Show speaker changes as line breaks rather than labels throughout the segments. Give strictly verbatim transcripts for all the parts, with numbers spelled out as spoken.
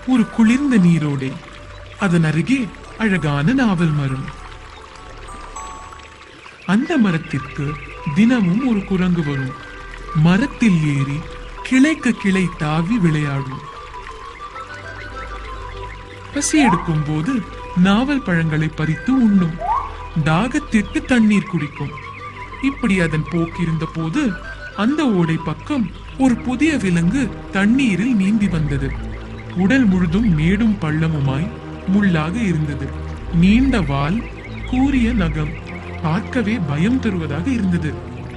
ஒரு குளிர்ந்த நீரோடை, அதன் அருகே அழகான நாவல் மரம். அந்த மரத்திற்கு தினமும் ஒரு குரங்கு வரும். மரத்தில் ஏறி கிளைக்கு கிளை தாவி விளையாடும். பசி எடுக்கும் போது நாவல் பழங்களை பறித்து உண்ணும். தாகத்திற்கு தண்ணீர் குடிக்கும். இப்படி அதன் போக்கிருந்த போது அந்த ஓடை பக்கம் ஒரு புதிய விலங்கு தண்ணீரில் நீந்தி வந்தது. உடல் முழுதும் மேடும் பள்ளமுமாய் முள்ளாக இருந்தது. நீண்ட வால், கூரிய நகம், பார்க்கவே பயம் தருவதாக இருந்தது.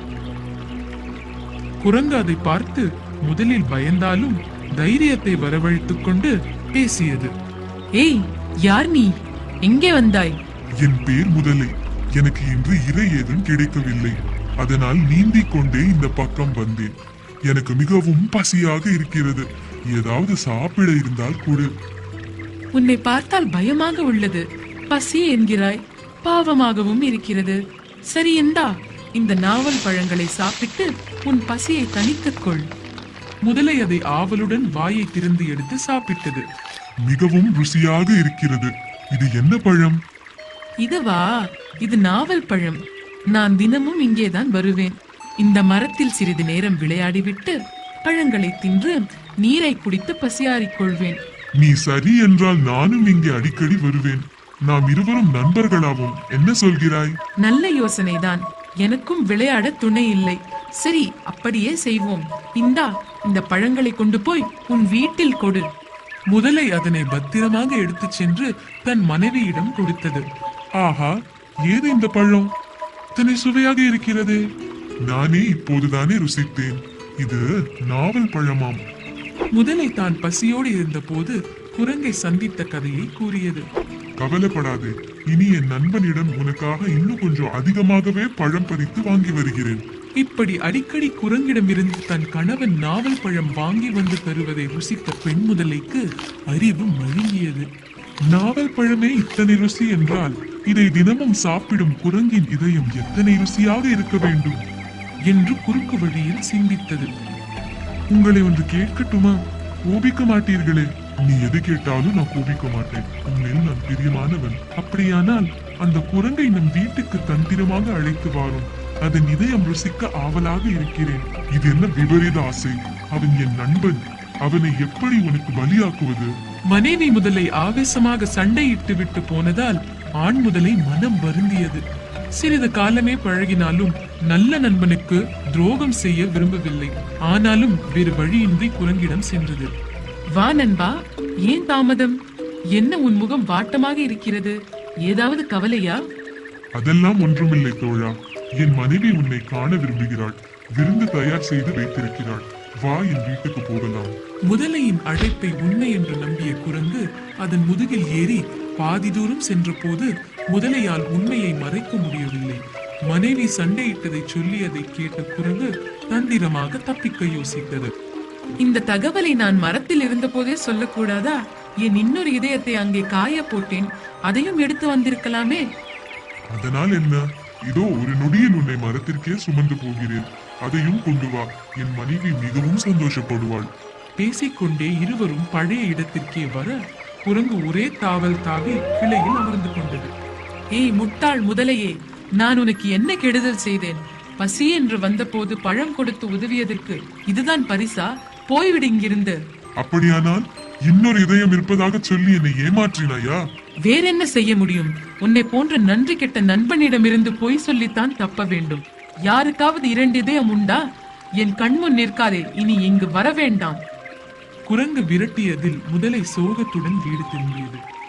குரங்கு அதை பார்த்து முதலில் பயந்தாலும் தைரியத்தை வரவழைத்துக் கொண்டு பேசியது.
ஏய், யார் நீ? எங்கே வந்தாய்?
என் பேர் முதலை. எனக்கு இன்று இரை ஏதும் கிடைக்கவில்லை. அதனால் நீந்திக் கொண்டே இந்த பக்கம் வந்தேன். எனக்கு மிகவும் பசியாக இருக்கிறது. ஏதாவது சாப்பிட இருந்தால் கொடு.
உன்னை பார்த்தால் பயமாக உள்ளது. பசி என்கிறாய், பாவமாகவும் இருக்கிறது. சரி, இந்தா இந்த நாவல் பழங்களை சாப்பிட்டு உன் பசியை தணித்துக் கொள்.
முதலை அதை ஆவலுடன் வாயை திறந்து எடுத்து சாப்பிட்டது.
மிகவும் ருசியாக இருக்கிறது. இது என்ன பழம்?
இதுவா? இது நாவல் பழம். நான் தினமும் இங்கேதான் வருவேன். இந்த மரத்தில் சிறிது நேரம் விளையாடிவிட்டு பழங்களை தின்று நீரை குடித்து பசியாறிக் கொள்வேன்.
நீ சரி என்றால் நானும் இங்கே அடிக்கடி வருவேன். நாம் இருவரும் நண்பர்களாவோம். என்ன சொல்கிறாய்?
நல்ல யோசனைதான். எனக்கும் விளையாட துணை இல்லை. சரி, அப்படியே செய்வோம். இந்தா இந்த பழங்களை கொண்டு போய் உன் வீட்டில் கொடு.
முதலை அதனை பத்திரமாக எடுத்துச் சென்று தன் மனைவியிடம் கொடுத்தது.
ஆஹா, ஏது இந்த பழம்? இத்தனை சுவையாக இருக்கிறது. நானே இப்போதுதானே ருசித்தேன். இது நாவல் பழமாம்.
முதலை தான் பசியோடு இருந்த போது குரங்கை சந்தித்த கதையை கூறியது.
கவலைப்படாதே, இனி என் நண்பனிடம் உனக்காக இன்னும் கொஞ்சம் அதிகமாகவே பழம் பறித்து வாங்கி வருகிறேன்.
இப்படி அடிக்கடி குரங்கிடமிருந்து தன் கணவன் நாவல் பழம் வாங்கி வந்து தருவதை ருசித்த பெண் முதலைக்கு அறிவு மழுங்கியது. நாவல் பழமே இத்தனை ருசி என்றால் இதை தினமும் சாப்பிடும் குரங்கின் இதயம் எத்தனை ருசியாக இருக்க வேண்டும் என்று குறுக்கு வழியில் சிந்தித்தது. உங்களை ஒன்று கேட்கட்டுமா? கோபிக்க மாட்டீர்களே? நீ எது கேட்டாலும் நான் கோபிக்க மாட்டேன். உண்மையில் நான் பிரியமானவன். அப்படியானால் அந்த குரங்கை நம் வீட்டுக்கு தந்திரமாக அழைத்து வாரும். அதன் இதயம் ருசிக்க ஆவலாக இருக்கிறேன். இது என்ன விபரீத ஆசை? அவன் என் நண்பன். அவனை எப்படி உனக்கு பலியாக்குவது? மனைவி முதலை ஆவேசமாக சண்டையிட்டு விட்டு போனதால் ஆண் முதலை மனம் வருந்தியது. சிறிது காலமே பழகினாலும் நல்ல நண்பனுக்கு துரோகம் செய்ய விரும்பவில்லை. ஆனாலும் வேறு வழியின்றி குரங்கிடம் சென்றது.
வா நண்பா, ஏன் தாமதம்? என்ன உன் முகம் வாட்டமாக இருக்கிறது? ஏதாவது கவலையா?
அதெல்லாம் ஒன்றுமில்லை தோழா. என் மனைவி உன்னை காண விரும்புகிறாள். விருந்து தயார் செய்து வைத்திருக்கிறாள். வா, என் வீட்டுக்கு போகலாம்.
முதலையின் அழைப்பை உண்மை என்று நம்பிய குரங்கு அதன் முதுகில் ஏறி பாதி தூரம் சென்ற போது முதலையால் உண்மையை மறைக்க முடியவில்லை. மனைவி சண்டையிட்டதை சொல்லியதை கேட்ட குரங்கு தந்திரமாக தப்பிக்க யோசித்தது.
இந்த தகவலை நான் மரத்தில் இருந்த போதே சொல்லக்கூடாதா? என் இன்னொரு இதயத்தை அங்கே காய போட்டேன். அதையும் எடுத்து வந்திருக்கலாமே.
அதனால் என்ன? இதோ ஒரு நொடியில் உன்னை மரத்திற்கே சுமந்து போகிறேன். அதையும் கொண்டு வா. என் மனைவி மிகவும் சந்தோஷப்படுவாள்.
பேசிக்கொண்டே இருவரும் பழைய இடத்திற்கே வர குரங்கு ஒரே தாவல் தாவி கிளையில் அமர்ந்து கொண்டது.
ஏய் முட்டாள் முதலையே, நான் உனக்கு என்ன கெடுதல் செய்தேன்? பசி என்று வந்த போது பழம் கொடுத்து உதவியதற்கு இதுதான் பரிசா? போய்விடு இங்கிருந்து.
அப்படியானால் இன்னொரு இதயம் இருப்பதாக சொல்லி என்னை ஏமாற்றினாயா?
வேறென்ன செய்ய முடியும்? உன்னை போன்ற நன்றி கெட்ட நண்பனிடமிருந்து பொய் சொல்லித்தான் தப்ப வேண்டும். யாருக்காவது இரண்டு இதயம் உண்டா? என் கண்முன் நிற்காதே. இனி இங்கு வர வேண்டாம்.
குரங்கு விரட்டியதில் முதலை சோகத்துடன் வீடு திரும்பியது.